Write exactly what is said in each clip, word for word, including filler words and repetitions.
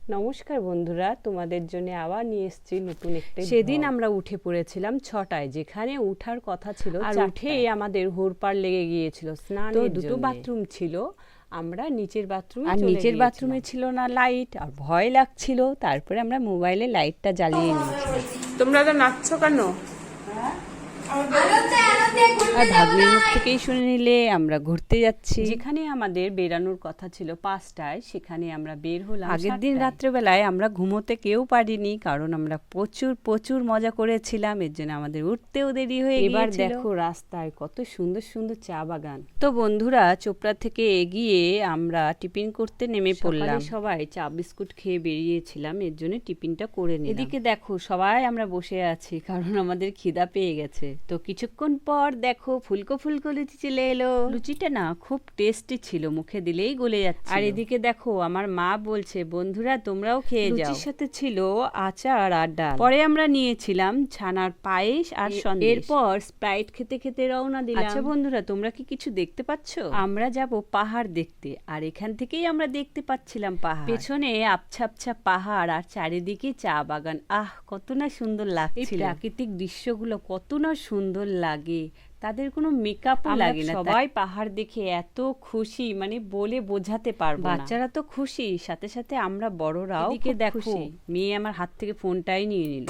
নমস্কার বন্ধুরা, তোমাদের জন্য আবার নিয়ে এসেছি নতুন একটা। সেদিন আমরা উঠে পড়েছিলাম ছটায়, যেখানে উঠার কথা ছিল আর উঠেই আমাদের হুড়পাড় লেগে গিয়েছিল স্নানের জন্য। দুটো বাথরুম ছিল, আমরা নিচের বাথরুমে আর চলে নিচের বাথরুমে গিয়েছিলাম। ছিল না লাইট, আর ভয় লাগছিল। তারপরে আমরা মোবাইলে লাইটটা জ্বালিয়ে নিয়েছিলাম। তোমরা তো নাচছো কেন? আর ভাগ্নির মুখ থেকেই শুনে নিলে আমরা ঘুরতে যাচ্ছি। যেখানে আমাদের বেরানোর কথা ছিল পাঁচটায়, সেখানে আমরা বের হলাম আগের দিন সাতটায়। রাত্রেবেলায় আমরা ঘুমোতে কেউ পারিনি, কারণ আমরা প্রচুর প্রচুর মজা করেছিলাম। এর জন্য আমাদের উঠতেও দেরি হয়ে এবার গিয়েছিল। দেখো রাস্তায় কত সুন্দর সুন্দর চা বাগান। তো বন্ধুরা, চোপড়া থেকে এগিয়ে আমরা টিফিন করতে নেমে পড়লাম। সকালে সবাই চা বিস্কুট খেয়ে বেরিয়েছিলাম, এর জন্য টিফিনটা করে নিলাম। এদিকে দেখো সবাই আমরা বসে আছি, কারণ আমাদের খিদা পেয়ে গেছে। তো কিছুক্ষণ পর দেখো ফুলকো ফুলকো লুচি চলে এলো। লুচিটা না খুব টেস্টি ছিল, মুখে দিলেই গলে যাচ্ছে। আর এদিকে দেখো আমার মা বলছে, বন্ধুরা তোমরাও খেয়ে যাও। লুচির সাথে ছিল আচার আর ডাল। পরে আমরা নিয়েছিলাম ছানার পায়েস আর সন্দেশ। এরপর স্প্রাইট খেতে খেতে রওনা দিলাম। আচ্ছা বন্ধুরা, তোমরা কি কিছু দেখতে পাচ্ছো? আমরা যাব পাহাড় দেখতে, আর এখান থেকেই আমরা দেখতে পাচ্ছিলাম পাহাড়। পেছনে আবছা আবছা পাহাড় আর চারিদিকে চা বাগান। আহ, কত না সুন্দর লাগছিল। এই প্রাকৃতিক দৃশ্যগুলো কত না সুন্দর লাগে, তাদের কোনো মেকআপও লাগে না। সবাই পাহাড় দেখে এত খুশি, মানে বলে বোঝাতে পারবো না। বাচ্চারা তো খুশি, সাথে সাথে আমরা বড়রাও। এদিকে খুব দেখো, খুশি। মেয়ে আমার হাত থেকে ফোনটাই নিয়ে নিল।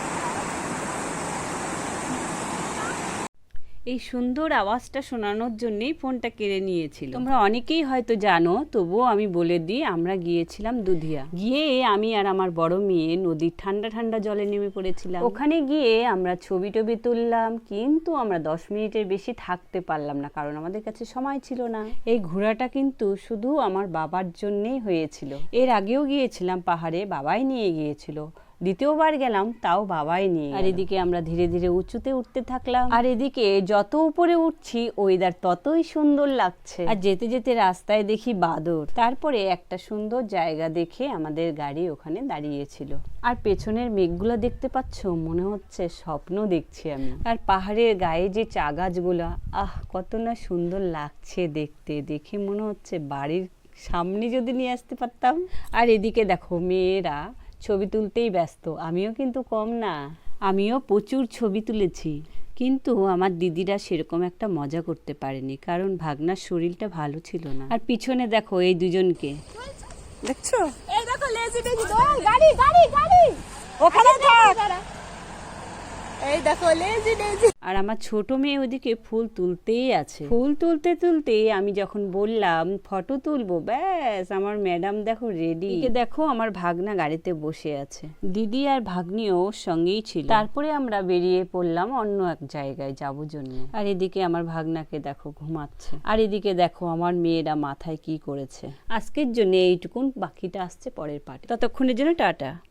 এই সুন্দর আওয়াজটা শোনানোর জন্যই ফোনটা কেড়ে নিয়েছিল। তোমরা অনেকেই হয়তো জানো, তবুও আমি বলে দিই, আমরা গিয়েছিলাম দুধিয়া। গিয়ে আমি আর আমার বড় মেয়ে নদীর ঠান্ডা ঠান্ডা জলে নেমে পড়েছিলাম। ওখানে গিয়ে আমরা ছবি টবি তুললাম, কিন্তু আমরা দশ মিনিটের বেশি থাকতে পারলাম না, কারণ আমাদের কাছে সময় ছিল না। এই ঘোরাটা কিন্তু শুধু আমার বাবার জন্যেই হয়েছিল। এর আগেও গিয়েছিলাম পাহাড়ে, বাবাই নিয়ে গিয়েছিল। দ্বিতীয়বার গেলাম, তাও বাবাই নিয়ে। আর এদিকে আমরা ধীরে ধীরে উঁচুতে উঠতে থাকলাম। আর এদিকে যত উপরে উঠছি ওয়েদার ততই সুন্দর লাগছে। আর যেতে যেতে রাস্তায় দেখি বাদর। তারপরে একটা সুন্দর জায়গা দেখে আমাদের গাড়ি ওখানে দাঁড়িয়েছিল। আর পেছনের মেঘগুলো দেখতে পাচ্ছ, মনে হচ্ছে স্বপ্ন দেখছি আমি। আর পাহাড়ের গায়ে যে চা গাছগুলা, আহ কত না সুন্দর লাগছে দেখতে। দেখে মনে হচ্ছে বাড়ির সামনে যদি নিয়ে আসতে পারতাম। আর এদিকে দেখো মেয়েরা ছবি তুলতেই ব্যস্ত, আমিও কিন্তু কম না। আমিও প্রচুর ছবি তুলেছি, কিন্তু আমার দিদিরা সেরকম একটা মজা করতে পারেনি, কারণ ভাগনার শরীরটা ভালো ছিল না। আর পিছনে দেখো এই দুজনকে দেখছো, এই দেখো লেজি টেজি দোল গাড়ি গাড়ি গাড়ি ওখানে থাক। এই দেখো লেজি টেজি। আর আমার ছোট মেয়ে ওদিকে ফুল তুলতেই আছে। ফুল তুলতে তুলতে আমি যখন বললাম ফটো তুলবো, ব্যাস আমার ম্যাডাম দেখো রেডি। দেখো আমার ভাগনা গাড়িতে বসে আছে, দিদি আর ভাগ্নিও ওর সঙ্গেই ছিল। তারপরে আমরা বেরিয়ে পড়লাম অন্য এক জায়গায় যাবো জন্য। আর এদিকে আমার ভাগনাকে দেখো ঘুমাচ্ছে, আর এদিকে দেখো আমার মেয়েরা মাথায় কি করেছে। আজকের জন্য এইটুকুন, বাকিটা আসছে পরের পার্টে। ততক্ষণের জন্য টাটা।